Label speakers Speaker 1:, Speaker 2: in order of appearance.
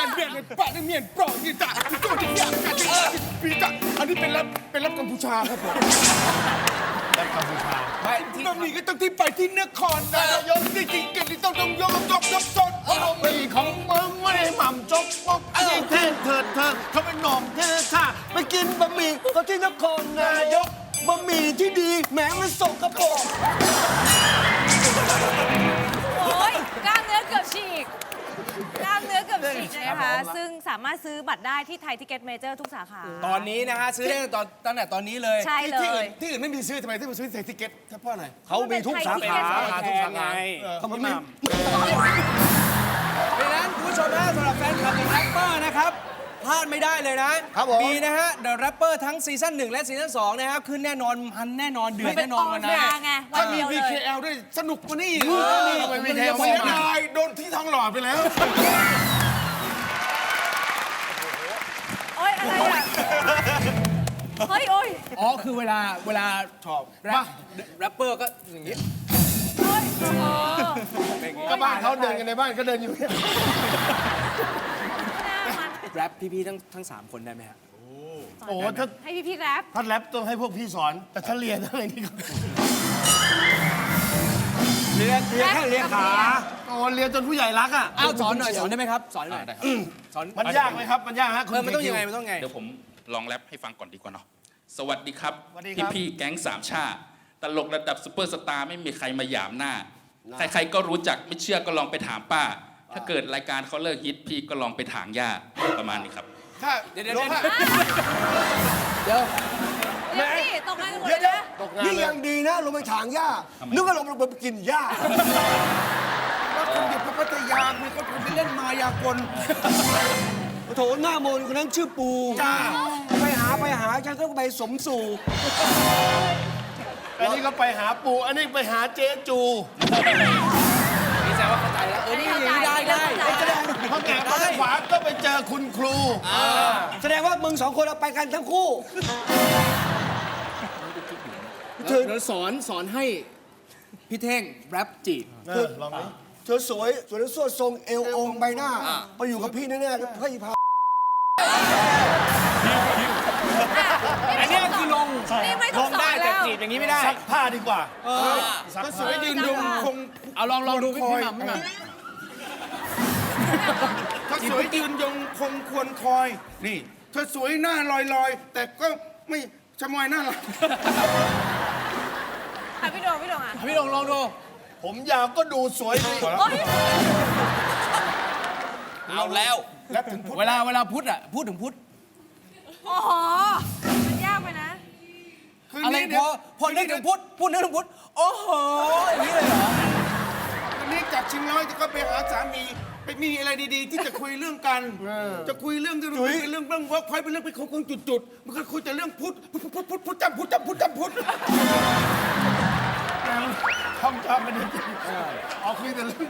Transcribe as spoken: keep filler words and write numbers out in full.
Speaker 1: เรียนปะเมียนปลอกนี่จ้ะโจ้ที่ยากกันปีจ้ะอันนี้เป็นรับเป็นรับกัมพูชาครับผมรับกัมพูชาไม่ที่บะหมี่ก็ต้องที่ไปที่นครนายกที่จริงกันที่ต้องต้องยกยกยกสดบะหมี่ของมึงไม่ได้หม่ำจกมกไอ้เท่เถิดเธอเขาเป็นหน่อมเท่ท่าไปกินบะหมี่ก็ที่นครนายกบะหมี่ที่ดีแหมมันสกปรก
Speaker 2: โอ้ยกล้ามเนื้อเกือบฉีกกล้ามเนื้อเกือบฉีกนะคะ ซึ่งสามารถซื้อบัตรได้ที่ไทยทิเก็ตเมเจอร์ทุกสาขา
Speaker 3: ตอนนี้นะฮะซื้อได้ตอนตั้งแต่ตอนนี้เลย
Speaker 2: ใช่เลย
Speaker 1: ที่อื่นไม่มีซื้อทำไมที่มาซื้อในทิเก็ตเพราะอะไร
Speaker 3: เขามีทุกสาขา
Speaker 2: ทุกสาขา
Speaker 1: เขาไม่
Speaker 3: เพราะฉะนั้นคุณผู้ชมนะสำหรับแฟนคลับอย่างแรปเปอร์นะครับพลาดไม่ได้เลยนะครับ
Speaker 1: ผม
Speaker 3: มีนะฮะ The Rapper ทั้งซีซั่นหนึ่งและซีซั่นสองนะครับขึ้นแน่นอนมันแน่นอนเดือดแน่นอนวัน
Speaker 2: เป็
Speaker 3: นั้น
Speaker 2: ออนแอร์ไงวั
Speaker 1: ถ้าน มี
Speaker 2: เดียวเล
Speaker 1: วี
Speaker 2: ย
Speaker 1: เคแอลด้วยสนุกกว่านี้
Speaker 3: ไป วี เค แอล
Speaker 1: เสียดายโดนที่ทองหล่อไปแล้ว
Speaker 2: โอ๊ย อะไรอ่ะ เฮ้ย โอ๊ย
Speaker 3: อ๋อคือเวลาเวลาชอบแรปแรปเปอร์ก็อย่างนี้
Speaker 2: โอ๊ยเออ
Speaker 1: ก็บ้านเขาเดินกันในบ้านก็เดินอยู่เนี่ย
Speaker 2: หน้ามัน
Speaker 3: แรปพี่ๆทั้งทั้งสามคนได้ไหมฮะ
Speaker 1: โอ้ถ้า
Speaker 2: ให้พี่พี่ๆแรป
Speaker 1: ถ้าแรปต้องให้พวกพี่สอน แต่ถ้าเรียนอะไรนี่ก็
Speaker 3: เรียนเรียนแค่เรียนขา
Speaker 1: โอ้เรียนจนผู้ใหญ่รักอ่ะ
Speaker 3: อ้าวสอนหน่อยสอนได้ไหมครับสอนหน่อยสอน
Speaker 1: มันยากไหมครับมันยากฮะ
Speaker 3: เออมันต้องยังไงมันต้องไง
Speaker 4: เดี๋ยวผมลองแรปให้ฟังก่อนดีกว่าเนาะ สวัสดีครับ
Speaker 1: สวัสดีครับ
Speaker 4: พี่ๆแก๊งสามชาติตลกระดับซุปเปอร์สตาร์ไม่มีใครมาหยามหน้า ใครๆก็รู้จักไม่เชื่อก็ลองไปถามป้า ถ้าเกิดรายการเขาเลิกฮิตพี่ก็ลองไปถางหญ้าประมาณนี้ครับ
Speaker 1: ถ้า
Speaker 3: เดี๋ยวเดี๋ยว
Speaker 1: ถ้า
Speaker 3: เดี๋ยว
Speaker 2: เดี๋ยวสิตกงานกันหมด
Speaker 5: เดี๋ยว
Speaker 2: เลย
Speaker 5: เดี๋ยว
Speaker 2: นะ
Speaker 5: นี่ยังดีนะลงไปถางหญ้า นึกว่าลงไปกินหญ้า
Speaker 1: ว่าคนเด็กพระพัทยามีคนไปเล่นมายากล
Speaker 5: โถหน้ามนต์คนนั้นชื่อปู
Speaker 1: จ้า
Speaker 5: ไปหาไปหาฉันก็ไปสมสู่
Speaker 1: อันนี้ก็ไปหาปูอันนี้ไปหาเจ๊จู
Speaker 3: นี่แสดงว่าเข้าใจแล้วเออนี่อย่างนี้ได้ได้
Speaker 2: แสดง
Speaker 1: พอแกะมาทางขวาก็ไปเจอคุณครู
Speaker 5: แสดงว่ามึงสองคนเราไปกันทั้งคู่
Speaker 3: เดี๋ยวสอนสอนให้พี่เท่งแรปจีบ
Speaker 1: เออลองดิ
Speaker 5: เธอสวยสวยแล้วสวดทรงเอวองค์ใบหน้าไปอยู่กับพี่แน่ๆแล้วพี่พา
Speaker 3: อันนี้คือลง
Speaker 2: นี่ไม่
Speaker 3: ล
Speaker 2: ต้อง
Speaker 3: ง
Speaker 2: สอ
Speaker 3: ได้
Speaker 2: น
Speaker 3: แต่
Speaker 2: แล้ว
Speaker 3: จีบอย่างนี้ไม่ได้
Speaker 1: ซักผ้าดีกว่า
Speaker 3: ซัก
Speaker 1: ก็สวยยืนยงคง
Speaker 3: เอาลองลองดูพี่พี่หม่ำพี่หม่
Speaker 1: ถ้าสวยยืนยงคงควรคอย นี่เธอสวยหน้าลอยลอยๆแต่ก็ไม่ชะมอยหน้าหลัง
Speaker 2: อ่ะพี่โดงพี่โดงอ่ะ
Speaker 3: ำพี่ลองลองดู
Speaker 1: ผมยาวก็ดูสวยดี
Speaker 2: โอ๊ย
Speaker 3: เอาแล้ว
Speaker 1: แล้วถึงพุทธ
Speaker 3: เวลาเวลาพุทธอ่ะพูดถึงพุทธ
Speaker 2: โอ้โห มันยากไปนะ
Speaker 1: คืน
Speaker 3: อะไร
Speaker 1: นี้
Speaker 3: พอพอนึกถึงพุทธพูดนึกถึงพุทธโอ้โหอย่างนี้เลยเหรอ
Speaker 1: คืนนี้จากชิงร้อยจะก็ไปหาสามีไปมีอะไรดีๆ ที่จะคุยเรื่องกัน จะคุยเรื่องที่คุยเรื่องเรื่องว่าคอยเป็นเรื่องไปคงจุดๆมันก็คุยแต่เรื่องพุทธพุทธพุทธพุทธพุทธจำพุทธจำพุทธจำพุทธท่องจำไม่ได้จริงอ๋อคุยแต่เรื่อง